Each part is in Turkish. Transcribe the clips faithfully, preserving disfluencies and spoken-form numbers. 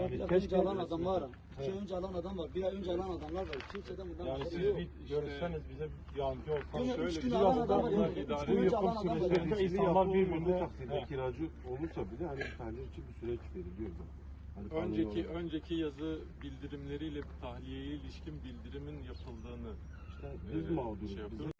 Yani Ya keşke önce alan adam var. İki ay önce alan adam var. Bir ay önce alan adamlar var. Kimseden bundan yani haberi siz yok. bir görüşseniz bize yardımcı olsanız. Değil mi? Şöyle Üç gün bir alan hafta adam var. bunlar Yani idare üç gün önce yapım alan adam var. süreçlerinde Riskli insanlar yapı birbirine olmadığı takdirde he, kiracı olursa bile hani tahliye için bir süreç veriliyor. Hani kanuni Önceki olarak. önceki yazı bildirimleriyle tahliyeye ilişkin bildirimin yapıldığını İşte biz e, mağduruz. şey yapıyoruz.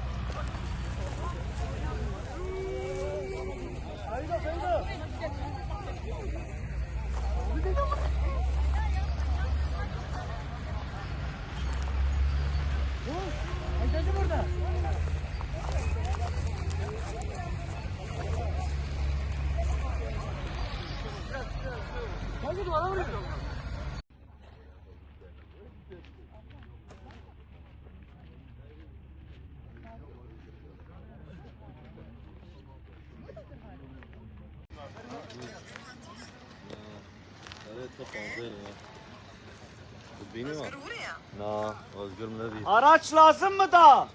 Araç lazım mı da?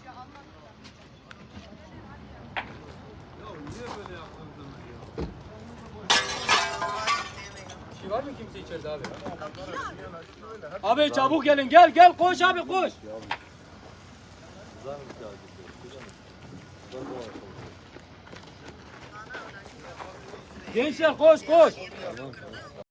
Abi çabuk gelin, gel gel, koş abi koş. Gençler koş koş.